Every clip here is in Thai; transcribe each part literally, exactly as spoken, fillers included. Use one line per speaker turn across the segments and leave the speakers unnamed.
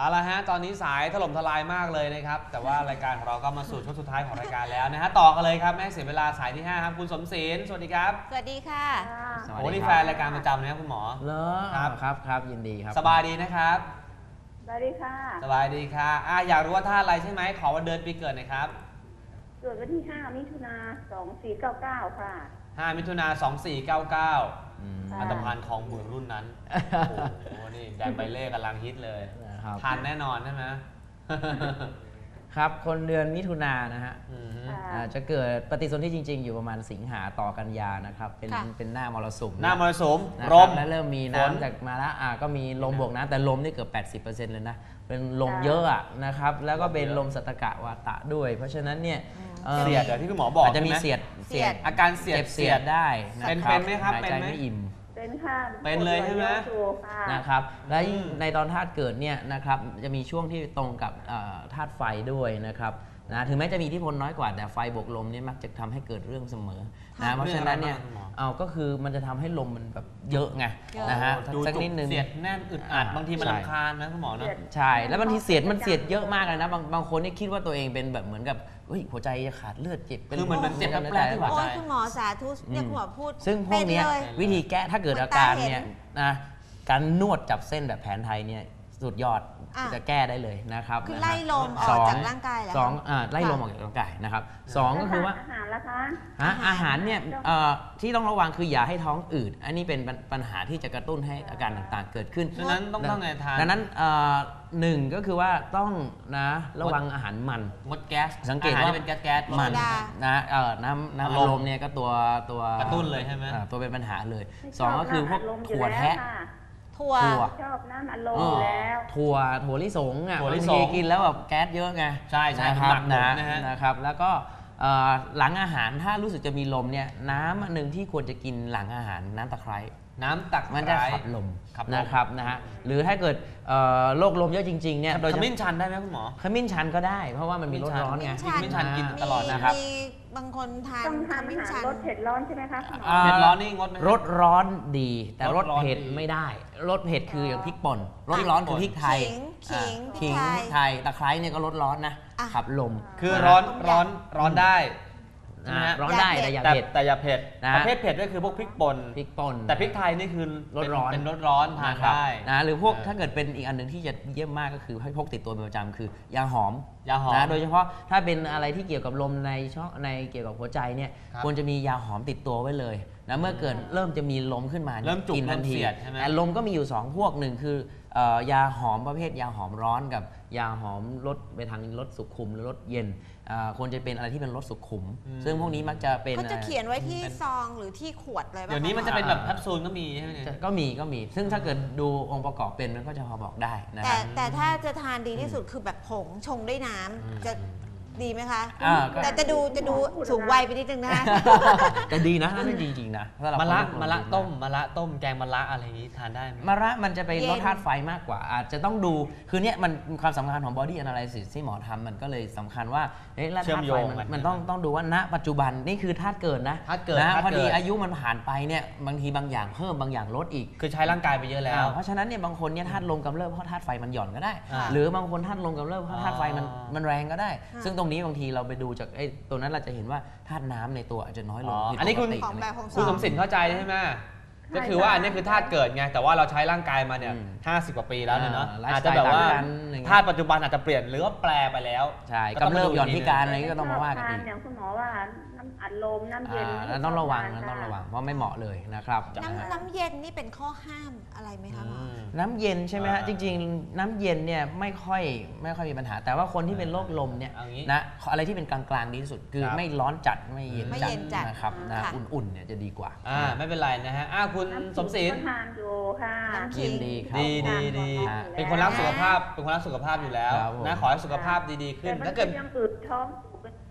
เอาละฮะตอนนี้สายถล่มทลายมากเลยนะครับแต่ว่ารายการของเราก็มาสู่ช่วงสุดท้ายของรายการแล้วนะฮะต่อกันเลยครับแม่เสียเวลาสายที่ห้าครับคุณสมศิลป์สวัสดีครับ
สวัสดีค่ะ
โอ้นี่แฟนรายการประจำนะครับคุณหมอ
เหรอครับครับครับยินดีครับ
สบายดีนะครับ
สวัสดีค่ะ
สบายดีค่ะอ่ะอยากรู้ว่าธาตุอะไรใช่ไหมขอวันเดือนปีเกิดหน่อยครับ
เกิดวันที่ห้ามิถุนาสองสี่เก้าเก้าค่ะ
ห้ามิถุนาสองสี่เก้าเก้าอันตรพันธ์ของหมื่นรุ่นนั้นโอ้โหนี่แดงใบเล่กำลังฮิตเลยทันแน่นอนใช่ไหม
ครับคนเดือนมิถุนายนนะฮะจะเกิดปฏิสนธิจริงๆอยู่ประมาณสิงหาต่อกันยานะครับเป็นเป็นหน้ามรสุม
หน้ามรสุมลม
และเริ่มมีน้ำจากมาแล้วอ่าก็มีลมบวกน้ำแต่ลมนี่เกือบ แปดสิบเปอร์เซ็นต์ เลยนะเป็นลมเยอะอ่ะนะครับแล้วก็เป็นลมสัตตกะวาตะด้วยเพราะฉะนั้นเนี่ย
เสียดอย่างที่คุณหมอบอก
จะมีเสียด
เสียดอาการเสียด
เสียดได้
เป็นเป็นไหมครับ
หายใจไม่อิ่ม
เป็นค่ะ
เป็นเลยใช่ไหม
นะครับและในตอนธาตุเกิดเนี่ยนะครับจะมีช่วงที่ตรงกับธาตุไฟด้วยนะครับนะถึงแม้จะมีอิทธิพลน้อยกว่าแต่ไฟบวกลมนี่มักจะทำให้เกิดเรื่องเสมอนะเพราะฉะนั้นเนี่ยเอาก็คือมันจะทำให้ลมมันแบบเยอะไงนะฮะสักนิดนึง
เสียดแน่นอึดอัดบางทีมันรำคาญนะคุณหมอเนาะ
ใช่แล้วบางทีเสียดมันเสียดเยอะมากเลยนะบางบางคนนี่คิดว่าตัวเองเป็นแบบเหมือนกับเฮ้ยหัวใจจะขาดเลือดเจ็บ
คือมันเป็นเจ็บแปลกๆที่หัวใจ
คุณหมอสาธุเนี่ยคุณหมอพูด
ซึ่งพวกนี้วิธีแก้ถ้าเกิดอาการเนี่ยนะการนวดจับเส้นแบบแผนไทยเนี่ยสุดยอดจะแก้ได้เลยนะครับ
คือไล่ลมออกจากร่างกายแล้ว
สองไล่ลมออกจากร่างกายนะครับสองก็คือว่า
อาหารละคะ
อาหารเนี่ยที่ต้องระวังคืออย่าให้ท้องอืดอันนี้เป็นปัญหาที่จะกระตุ้นให้อาการต่างๆเกิดขึ้น
ดังนั้นต้องต้องไงทาน
ดังนั้นหนึ่งก็คือว่าต้องนะระวังอาหารมัน
งดแก๊ส
สังเกตว่า
เป็นแก๊สแก๊ส
มันนะน้ำน้ำอารมณ์เนี่ยก็ตัวตัว
กระตุ้นเลยใช่ไหม
ตัวเป็นปัญหาเลยสองก็คือพวกถั่วแท้
ถั่ว
ชอบน้ำอารมณ์แล้ว
ถั่วถั่วลิสงอ่ะบางทีกินแล้วแบบแก๊สเยอะไง
ใช่ใช่
ครับนะ
นะครับ
แล้วก็หลังอาหารถ้ารู้สึกจะมีลมเนี่ยน้ำอันหนึ่งที่ควรจะกินหลังอาหารน้ำตะไคร้
น้ำตัก
มันจะขับลมนะครับนะฮะหรือถ้าเกิดโรคลมเยอะจริงๆเนี่ย
ขมิ้นชันได้ไหมคุณหมอ
ขมิ้นชันก็ได้เพราะว่ามันมีรสร้อนไง
ขมิ้นชันกินตลอดนะครับ
บางคนทาน
ขมิ้นชันรสเผ็ดร้อนใช่ไหมคะ
เผ็ดร้อนนี่งดไหม
รสร้อนดีแต่รสเผ็ดไม่ได้รสเผ็ดคืออย่างพริกป่นรสร้อนคือพริกไทย
ขิง
ขิงไทยตะไคร้เนี่ยก็รสร้อนนะขับลม
คือร้อนร้อนร้อนได้
ร้อนได้แต่อย่าเผ็ด
แต่อย่าเผ็ดประเภทเผ็ดก็คือพวกพริกป่น
พริกป่น
แต่พริกไทยนี่คือ
รสร้อน
เป็นรสร้อนทานได้
นะหรือพวกถ้าเกิดเป็นอีกอันหนึ่งที่จะเยี่ยมมากก็คือให้พกติดตัวเป็นประจำคือยาหอม
ยาหอม
นะโดยเฉพาะถ้าเป็นอะไรที่เกี่ยวกับลมในช่องในเกี่ยวกับหัวใจเนี่ยควรจะมียาหอมติดตัวไว้เลยนะเมื่อเกิดเริ่มจะมีลมขึ้นมา
เริ่มจุก
ทันทีแต่ลมก็มีอยู่สองพวกหนึ่งคือยาหอมประเภทยาหอมร้อนกับยาหอมลดไปทางลดสุขุมหรือลดเย็นควรจะเป็นอะไรที่เป็นลดสุขุมซึ่งพวกนี้มักจะเป็น
เขาจะเขียนไว้ที่ซองหรือที่ขวดเลย
เดี๋ยวนี้มันจะเป็นแบบแคปซูลก็มีใช่ไหม
ก็มีก็มีซึ่งถ้าเกิดดูองค์ประกอบเป็นมันก็จะพอบอกได้นะ
แต่แต่ถ้าจะทานดีที่สุดคือแบบผงชงด้วยน้ำจะดีไหมคะแต่จะดูจะดูสูงวัยไปนิดนึงนะ
แต่ดีนะนั่นจริงๆนะ
มะระมะระต้มมะระต้มแกงมะระอะไรนี้ทานได้ไหม
มะระมันจะไปลดธาตุไฟมากกว่าอาจจะต้องดูคือเนี้ยมันความสำคัญของ body analysis ที่หมอทำมันก็เลยสำคัญว่าเฮ้ยธาตุไฟมันต้องต้องดูว่าณปัจจุบันนี่คือธาตุเกิดนะ
ธาตุเกิด
นะพอดีอายุมันผ่านไปเนี่ยบางทีบางอย่างเพิ่มบางอย่างลดอีก
คือใช้ร่างกายไปเยอะแล้ว
เพราะฉะนั้นเนี่ยบางคนเนี่ยธาตุลมกำเริบเพราะธาตุไฟมันหย่อนก็ได้หรือบางคนธาตุลมกำเริบเพราะธาตุไฟมันมันแรงก็ได้ซึ่งตรงนี้บางทีเราไปดูจากไอ้ตัวนั้นเราจะเห็นว่าธาตุน้ำในตัวอาจจะน้อยลง
อันนี้คุณคุณสมศิลป์เข้าใจใช่ไหมก็คือว่าอันนี้คือธาตุเกิดไงแต่ว่าเราใช้ร่างกายมาเนี่ยห้าสิบกว่าปีแล้วเนี่ยเนาะอาจจะแบบว่าธาตุปัจจุบันอาจจะเปลี่ยนหรือว่าแปลไปแล้ว
ใช่กำเริบหย่อนพิการอะไรก็ต้องมาว่ากันอีก
อย่างคุณหมอว่าน้ำอัดลมน้ำเย็น
ต้องระวังต้องระวังเพราะไม่เหมาะเลยนะครับ
น้ำน้ำเย็นนี่เป็นข้อห้ามอะไรไหมคะหมอ
น้ำเย็นใช่ไหมฮะจริงๆน้ำเย็นเนี่ยไม่ค่อยไม่ค่อยมีปัญหาแต่ว่าคนที่เป็นโรคลมเนี่ยนะอะไรที่เป็นกลางๆดีที่สุดคือไม่ร้อนจัดไม่เย็นจัดนะครับนะอุ่นๆเนี่ยจะดีกว่า
อ่าไม่เป็นไรนะฮะอ่าคุณสมศิลป์
ทานอยู่ค่ะ
ยินดีครับ
ดีดีดีเป็นคนรักสุขภาพเป็นคนรักสุขภาพอยู่แล้วนะขอให้สุขภาพดีๆขึ้น
ถ้าเกิดยังอืดท้อง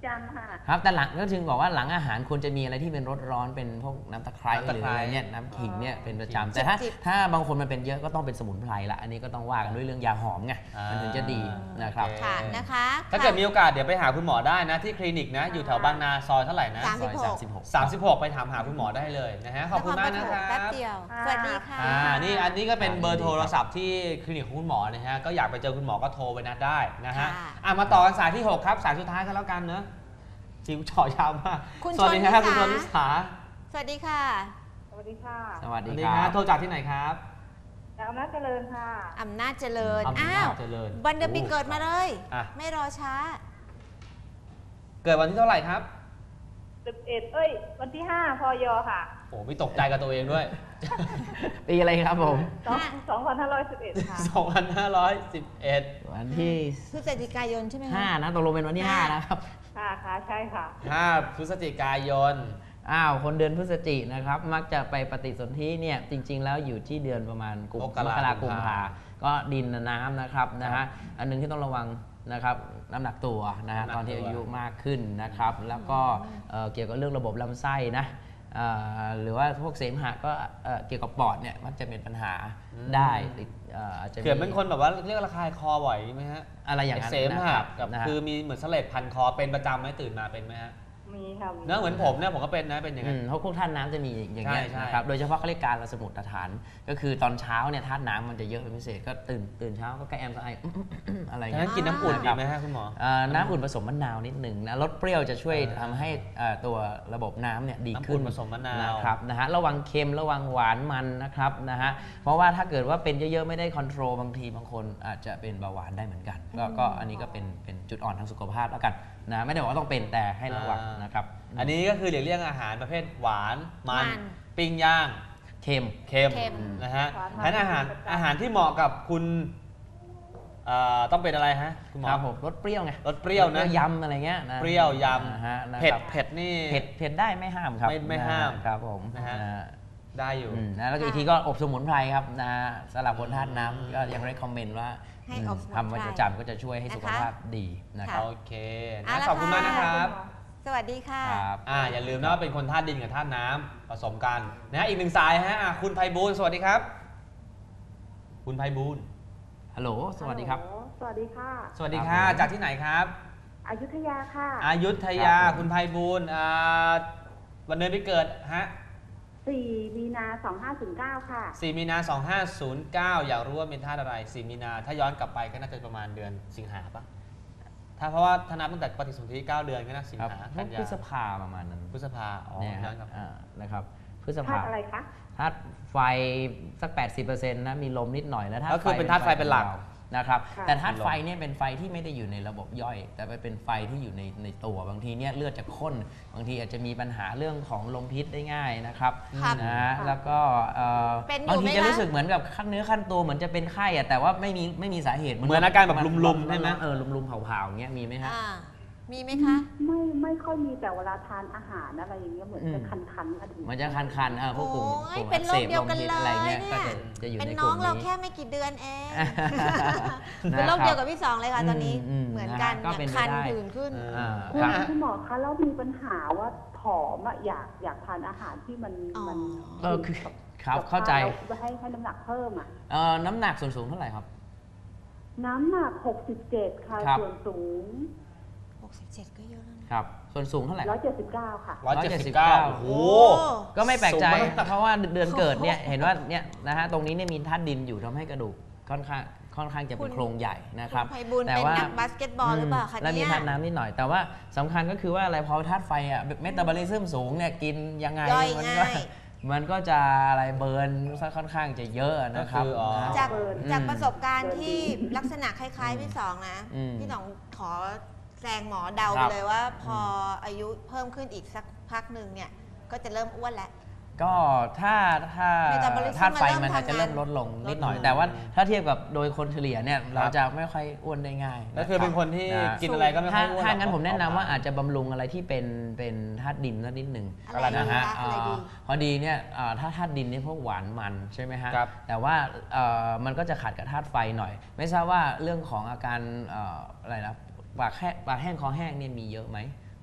จันทร์ค่ะ
ครับแต่หลังก็ถึงบอกว่าหลังอาหารควรจะมีอะไรที่เป็นรสร้อนเป็นพวกน้ำตะไคร้
น้ำตะ
หรือ
ไคร้
อะไรเนี่ยน้ำขิงเนี่ยเป็นประจำ
จิบ
แต่ถ้า
จิบ
ถ้าบางคนมันเป็นเยอะก็ต้องเป็นสมุนไพรละอันนี้ก็ต้องว่ากันด้วยเรื่องยาหอมไง
อ่ามั
มันถึงจะดีนะครับ
โอเค
ค่ะนะคะ
ถ้าเกิดมีโอกาสเดี๋ยวไปหาคุณหมอได้นะที่คลินิกนะอยู่แถวบางนาซอยเท่าไหร่นะ
สามสิบหก
ซอยสามสิบหก
สามสิบหกไปถามหาคุณหมอได้เลยนะฮะขอบคุณมากนะค
ค
รั
แป๊
บบ
เดียว
ค่ะ
สวัสดีค่ะ
อ่านี่อันนี้ก็เป็นเบอร์โทรศัพท์ที่คลินิกของคุณหมอนะฮะก็อยากไปเจอคุณหมอก็โทรไปนัดได้นะฮะ
ค่ะ
อ่ะมาต่อกันสายที่หกครับสายสุดท้ายกันแล้วกันเนอะจิ๋วเฉาะยาวมาก
คุณ
สวัสดี
ชนนิ
ครับ
สา
คุณชนนิสา
สวัสดีค่ะ
สวัสดีค่ะ
สวัส
ส
ดี
วัสดี
ค
ค
รั
รับบ โทรจากที่ไหนครับ
จากอำนาจเจริญค่ะ
อำนาจเจริญ
อำนาจ
อ้าว
เจริญ
วันเดือนปีเกิดมาเลย
อ่ะ
ไม่รอช้า
เกิดวันที่เท่าไหร่ครับ
สิบเอ็ดเอ้ย วันที่ห้าพยค่ะ
โอ้ไม่ตกใจกับตัวเองด้วย
ปีอะไรครับผม
สองสองพันห้าร้อยสิบเอ็ดค่ะ
สองพันห้าร้อยสิบเอ็ด
วันที่
พฤศจิกายนใช่ไหมคะ
ห้านะตกลงเป็นวันที่ห้า
ห้า
นะครับ
ค่ะค่ะใช่ค่ะ
ห้าพฤศจิกายน
อ้าวคนเดือนพฤศจินะครับมักจะไปปฏิสนธิเนี่ยจริง ๆ แล้วอยู่ที่เดือนประมาณกุม
ม
ม
ก
ก
รา
รา
กุ
กุ
ม
ม
ภา
ภาก็ดินน้ำนะครับนะฮะอันหนึงที่ต้องระวังนะครับน้ำหนักตัวนะฮะ
น้ำหนัก
ตอนที่
ตัว
อายุมากขึ้นนะครับแล้วก็เอ่อเกี่ยวกับเรื่องระบบลำไส้นะเอ่อหรือว่าพวกเสมหะก็เอ่อเกี่ยวกับปอดเนี่ยมักจะเป็นปัญหาได้ติดเอ่ออาจจะมี
เขื่อนเป็นคนแบบว่าเรียกระคายคอบ่อยไหมฮะ
อะไรอย่างนั้น
เสม
นะค
หะ
รับ
กับ
นะฮะ
คือมีเหมือนเสลดพันคอเป็นประจำไหมตื่นมาเป็นไหมฮะ
มีค่ะ
เนอะเหมือนผมเนี่ยผมก็เป็นนะเป็นอย่าง
อื
นั้น
มเพราะพวกธาตุน้ำจะมีอย่างเงี้ย
ใช่ใช่
นะครับ โดยเฉพาะเขาเรียกการละสมุดฐาน ก็คือตอนเช้าเนี่ยธาตุน้ำมันจะเยอะเป็นพิเศษ ก็ตื่นตื่นเช้าก็กระแอมกระไอ อะไร
ดัง
เงี้
นั้
ย
นกินน้ำอุ่นดีไหมฮะคุณหมอ
เอ่อน้ำอุ่นผสมมะนาวนิดหนึ่งนะลดเปรี้ยวจะช่วยทำให้เอ่อตัวระบบน้ำเนี่ยดีขึ้น
น้ำอุ่นผสมมะนาว
นะครับนะฮะระวังเค็มระวังหวานมันนะครับนะฮะเพราะว่าถ้าเกิดว่าเป็นเยอะๆไม่ได้คอนโทรลบางทีบางคนอาจจะเป็นเบาหวานได้เหมือนกัน ก็ก็อันนี้ก็เป็นเป็นจุดอ่อนทางสุขภาพแล้วกันนะไม่ได้บอกว่าต้องเป็นแต่ให้ระวังนะครับ
อันนี้ก็คือหลีกเลี่ยงอาหารประเภทหวานมัน
มัน
ปิ้งย่าง
เค็ม
เค็ม
เค็ม
นะฮะ
หวานมัน
ฉะนั้นอาหารอาหารที่เหมาะกับคุณเอ่อต้องเป็นอะไรฮะคุณหมอ
ครับผมรสเปรี้ยวไง
รสเปรี้ยวนะ
ยำอะไรเงี้ยนะ
เปรี้ยวย
นะฮะนะ
ำเผ็ด
ครับ
เผ็ดนี่
เผ็ดเผ็ดได้ไม่ห้ามครับ
ไม่ไม่ห้าม
ครับผม
นะฮะ
นะฮะ
ได้อยู่
อืมนะแล้วก็อีกทีก็อบสมุนไพรครับนะสำหรับคนธาตุน้ำก็ยังได้คอมเมนต์ว่า
ให้อบสมุนไพร
ทำไว้ประจำก็จะช่วยให้สุขภาพดีนะครับ
โอเค
เอา
นะ
ละ
ขอบคุณมาก
ค่ะ
นะครับ
สวัสดีค่ะ
ครับ
อ่าอย่าลืมนะว่าเป็นคนธาตุดินกับธาตุน้ำผสมกันนะฮะอีกหนึ่งสายฮะอ่ะคุณไพบูลย์สวัสดีครับ คุณไพบูลย์
ฮัลโหลสวัสดีครับ
ฮัลโหลสวัสดีค่ะ
สวัสดีค่ะ
ครับผม
จากที่ไหนครับ
อยุธยาค่ะ
อายุทยา
ครับผม
คุณไพบูลย์อ่าวันเดือนปีเกิดฮะ
สี่มีนาสองห้าศูนย์เก้าค่ะ
สี่มีนาสองห้าศูนย์เก้าอยากรู้ว่าเป็นธาตุอะไรสี่มีนาถ้าย้อนกลับไปก็น่าจะประมาณเดือนสิงหาปะถ้าเพราะว่าถ้านับตั้งแต่ปฏิสนธิเก้าเดือนก็น่าสิง
ครับ
หา
พ
กั
วน ก
ยา
พฤษภาประมาณนั้น
พฤษภาอ๋อ
เนี่ย
ย้
ฮะ
อนกลับไป
อ่านะครับพฤษ
ธา
ภา
ตุอะไรคะ
ธาตุไฟสัก แปดสิบเปอร์เซ็นต์ นะมีลมนิดหน่อยแล้วธาตุ
ก็คือเป็นธาตุไฟเป็นหลัก
นะครับ
ค่ะ
แต่ธาตุไฟเนี่ยเป็นไฟที่ไม่ได้อยู่ในระบบย่อย แต่ไปเป็นไฟที่อยู่ในในตัวบางทีเนี่ยเลือดจะข้นบางทีอาจจะมีปัญหาเรื่องของลมพิษได้ง่ายนะครับ
ครับ
นะฮะแล้วก็เอ่อ
เป็นอยู่
บางที
ไหม
จะ
คะ
รู้สึกเหมือนกับขั้นเนื้อขั้นตัวเหมือนจะเป็นไข้อะแต่ว่าไม่มีไม่มีสาเหตุ
เหมือนอาการแบบลุมๆใช่ไหม
เออลุมๆเผาๆอย่างเงี้ยมีไหมฮะ
อ่ามีไหมคะ
ไม่ไม่ค่อยมีแต่เวลาทานอาหารอะไรอย่างเงี้ยเหมือน
อืม
จะคันๆกัน
มันจะคันๆเออพวกกลุ่ม
โอ้ย
กลุ่ม
เป็นโรคเดียวกัน
อั
เล
สบมพิษอะไร
ย
เงี้ยก็
เนี่ย
จะจะอยู่
เป็น
ในก
น้อ
ลุ่
ง
ม
เรา
นี้
แค่ไม่กี่เดือนเอง
นะครับ
เป็นโรคเดียวกับพี่สองเลยค่ะตอนนี้
อืม
เหมือนกัน
นะฮะก็เป็น
เนี่ยคัน
ไปได้
ผื่นขึ้น
เออ
อ่า
คุณ
ครับ
คุณหมอคะแล้วมีปัญหาว่าผอมอะอยากอยากทานอาหารที่มัน
อ๋อ
มัน
เออคือครับเข้าใจ
แล้วให้ให้น้ำหนักเพิ่มอะ
เอ่อน้ำหนักส่วนสูงเท่าไหร่ครับ
น้ำหนักหกสิบเจ็ดค่ะ
ครับ
ส่วนสูง
หกสิบเจ็ดก็เยอะแล้วนะ
ครับส่วนสูงเท่าไหร่
ร้อยเจ็ดสิบเก้าค่ะ
ร้อยเจ็ดสิบ
เก้า
เก้าโอ้โห
ก็ไม่แปลกใจ
สูงมาก
เพราะว่าเดือนเกิดเนี่ยเห็นว่าเนี่ยนะฮะตรงนี้เนี่ยมีธาตุดินอยู่ทำให้กระดูกค่อนข้างค่อนข้างจะเป็นโครงใหญ่นะครับ
คุณไพบูลย์
แต่
เป็น
ว่า
นักบาสเกตบอลหรือเปล่าคะ
และมี
เนี่ย
ธาตุน้ำนิดหน่อย แต่ว่าสำคัญก็คือว่าอะไรพอธาตุไฟอ่ะเมตาบอลิซึมสูงเนี่ยกินยังไง
ย่อย
มันก็
ง่าย
มันก็จะอะไรเบิร์นซะค่อนข้างจะเยอะนะครับ
ก็คืออ๋อ
นะ
จาก
เบิร์น
จากประสบการณ์ที่ลักษณะคล้ายๆพี่สองนะ
อืม
พี่สองขอแซงหมอเดา
ค
ไป
รับ
เลยว่าพออายุเพิ่มขึ้นอีกสักพักหนึ่งเนี่ยก็จะเริ่มอ้วนแล้ว
ก็ถ้าถ้า
Metabolism
ธาตุไฟ
มันเริ่ม
มันจะเริ่ม
ทำงาน
ลดลงนิดหน่อย
ลดลง
แต่ว่าถ้าเทียบกับโดยคนเฉลี่ยเนี่ยเราจะไม่ค่อยอ้วนได้ง่าย
ก็คือเป็นคนที่
นะ
กินอะไรก็ไม่ค่
ถ้า
อยอ้วน
ถ้างั้นผมแนะนำว่า
อ
อาจจะบำรุงอะไรที่เป็นเป็นธาตุดินสักนิดหนึ่ง
อะไรดี
นะฮะ
คะอะไรดี
อ่าพอดีเนี่ยอ่าถ้าธาตุดินเนี่ยพวกหวานมันใช่ไหมฮะ
ครับ
แต่ว่าเอ่อมันก็จะขัดกับธาตุไฟหน่อย ไม่ทราบว่าเรื่องของอาการเอ่ออะไรนะปากแห้งปากแห้งคอแห้งเนี่ยมีเยอะไหม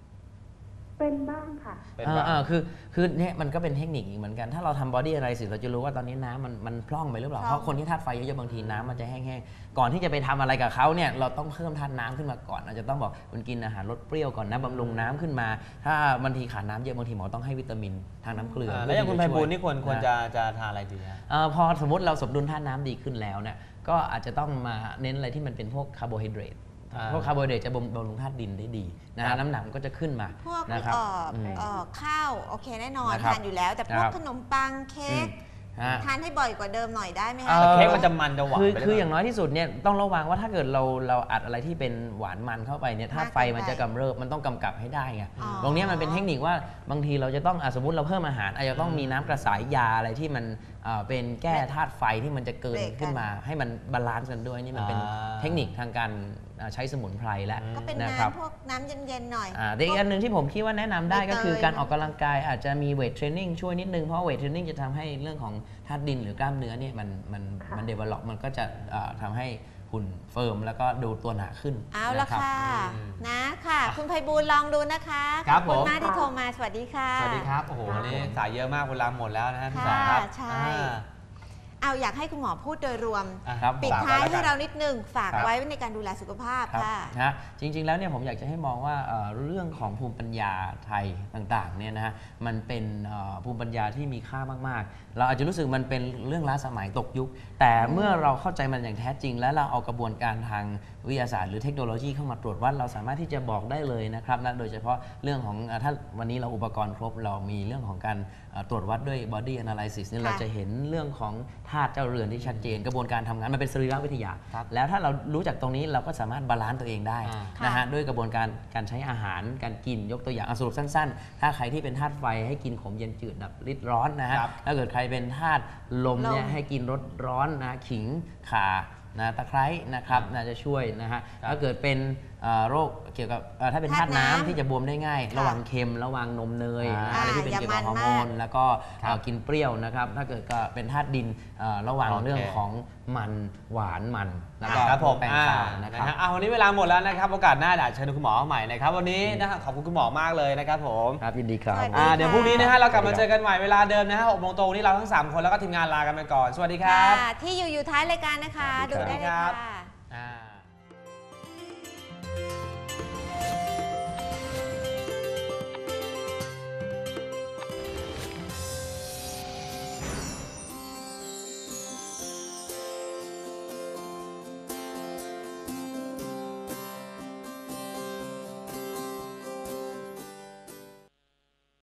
เป็นบ้างค่ะ
เป็น
เออ
บ้าง
เออคือคือเนี่ยมันก็เป็นเทคนิคอีกเหมือนกันถ้าเราทำบอดี้อะไรสิเราจะรู้ว่าตอนนี้น้ำมันมันพร่องไปหรือเปล่า
พร่อง
เพราะคนที่ธาตุไฟเยอะๆบางทีน้ำมันจะแห้งๆก่อนที่จะไปทำอะไรกับเขาเนี่ยเราต้องเพิ่มธาตุน้ำขึ้นมาก่อนอาจจะต้องบอกคุณกินอาหารลดเปรี้ยวก่อนนะบำรุงน้ำขึ้นมา ถ้าบางทีขาดน้ำเยอะบางทีหมอต้องให้วิตามินทางน้ำเกลือ
อ่า
เพื่
แล้วอย่างคุณไพ
ที่ะ
บู
ช่
ล
วย
ย์นี่ควรควร
นะ
จะจะทานอะไรดีฮะ
เออพอสมมติเราสมดุลธาตุน้ำดีขึ้นแล้วเนี่ยก็อาจจะต้องมาเน้นอะไรที่มันเป็นพวกคาร์โบไฮเดรต
อ่า
พวกคาร์โบไฮเดรตจะบำรุงธาตุดินได้ดีนะ
ครั
ฮะ
บ
น้ำหนักมันก็จะขึ้นมา
พวก
นะครับ
เอ่อ
อืม
เอ่อข้าวโอเคแน่นอน
นะครับ
ทานอยู่แล้ว แต่พวก
ครับ
ขนมปังเค้ก
ฮะ
ทานให้บ่อยกว่าเดิมหน่อยได้ไหม
เอ่
คะ
อ
แต่เค้กมันจะมันจะหวาน
คือ
ไปหรื
คือ
เปล่
อย่างน้อยที่สุดเนี่ยต้องระวังว่าถ้าเกิดเราเราอัดอะไรที่เป็นหวานมันเข้าไปเนี่ยธาตุไฟมันจะกำเริบมันต้องกำกับให้ได้ไง
อ๋อ
ตรงเนี้ยมันเป็นเทคนิคว่าบางทีเราจะต้องอ่ะสมมติเราเพิ่มอาหารอาจจะต้องมีน้ำกระสายยาอะไรที่มันเอ่อเป็นแก้ธาตุไฟที่มันจะเกิน
เบรกกัน
ขึ้นมา ให้มันบาลานซ์กันด้วยนี่มันเป็น
อ่า
เทคนิคทางการอ่าใช้สมุนไพรแล้ว
ก็เป็น
นะครับ
น้ำพวกน้ำเย็นๆหน่อย
อ่าแต่อีกอันหนึ่งที่ผมคิดว่าแนะนำได้
ใบเตย
ก็คือการออกกำลังกายอาจจะมีเวทเทรนนิ่งช่วยนิดนึงเพราะเวทเทรนนิ่งจะทำให้เรื่องของธาตุดินหรือกล้ามเนื้อเนี่ยมันมัน
ค่ะ
มันเดเวล็อปมันก็จะอ่าทำให้หุ่นเฟิร์มแล้วก็ดูตัวหนาขึ้น
เอาละ
นรับ
ค่ะ
อืม
นะค่ะ คุณไพบูลย์ลองดูนะคะ
ครับ
ขอบคุณ
ผม
มากที่โทรมาสวัสดีค่ะ
สวัสดีครับโอ้โหวันนี้สายเยอะมากเวลาหมดแล้วนะฮะพี่สองครับ
ค่ะใช่
อ่า
เอาอยากให้คุณหมอพูดโดยรวม
อ่ะ
ครับ
ปิด
ฝก
ท้าย
ไว้แล้ว
ให้
กัน
เรานิดนึงฝาก
ครับ
ไว้ในการดูแลสุขภาพ
ครับ
ค่ะ
นะฮะจริง ๆ แล้วเนี่ยผมอยากจะให้มองว่าเอ่อเรื่องของภูมิปัญญาไทยต่างๆเนี่ยนะฮะมันเป็นเอ่อภูมิปัญญาที่มีค่ามากๆ เราอาจจะรู้สึกมันเป็นเรื่องล้าสมัยตกยุค แต่เมื่อเราเข้าใจมันอย่างแท้จริง และเราเอากระบวนการทางวิทยาศาสตร์หรือเทคโนโลยีเข้ามาตรวจวัดเราสามารถที่จะบอกได้เลยนะครับนะโดยเฉพาะเรื่องของเอ่อถ้าวันนี้เราอุปกรณ์ครบเรามีเรื่องของการเอ่อตรวจวัดด้วย body analysis เนี่ย
ค่ะ
เราจะเห็นเรื่องของธาตุเจ้าเรือนที่ชัดเจน กระบวนการทำงานมันเป็นสรีรวิทยา
ครับ
แล้วถ้าเรารู้จักตรงนี้เราก็สามารถบาลานซ์ตัวเองได้
อ่า
นะฮะ
ค่ะ
ด้วยกระบวนการการใช้อาหารการกินยกตัวอย่างอ่ะสรุปสั้นๆ ถ้าใครที่เป็นธาตุไฟให้กินขมเย็นจืดดับฤทธิ์ร้อนนะฮะ
ครับ
ถ้าเกิดใครเป็นธาตุลมเนี่ย
ลม
ให้กินรสร้อนนะขิงข่านะตะไคร้นะครับ
อ่า
น่าจะช่วยนะฮะ
ครับ
ถ้าเกิดเป็นเอ่อโรคเกี่ยวกับเอ่อถ้าเป็นธาตุ
ธาตุน้ำ
น้ำที่จะบวมได้ง่าย
ค่ะ
ระวังเค็มระวังนมเนยนะ
อ่า
อะไรที่เป็น
อย่า
เกี่ยวกับฮอร์โม
มัน
น
มาก
แล้วก็
ครับ
เอ่อกินเปรี้ยวนะครับถ้าเกิดก็เป็นธาตุดินเอ่อระวัง
โอเค
เรื่องของมันหวานมันแล้วก็
ครับผม
แป้ง
อ่า
ข้าวนะ
นะครับ ฮะอ่ะวันนี้เวลาหมดแล้วนะครับโอกาสหน้าเดี๋ยวเชิญคุณหมอใหม่นะครับวันนี้นะฮะขอบคุณคุณหมอมากเลยนะครับผม
ครับยินดีครับ
สวัสดี
อ่า
ค่ะ
เดี๋ยวพรุ่งนี้นะฮะเรากลับมาเจอกันใหม่เวลาเดิมนะฮะหกโมงตรงวันนี้เราทั้งสามคนแล้วก็ทีมงานลากันไปก่อน สวัสดีครับ
ค่ะที่อยู่อยู่ท้ายรายการนะคะ ดูได้เลย
สวัสดีครับ
ค่ะ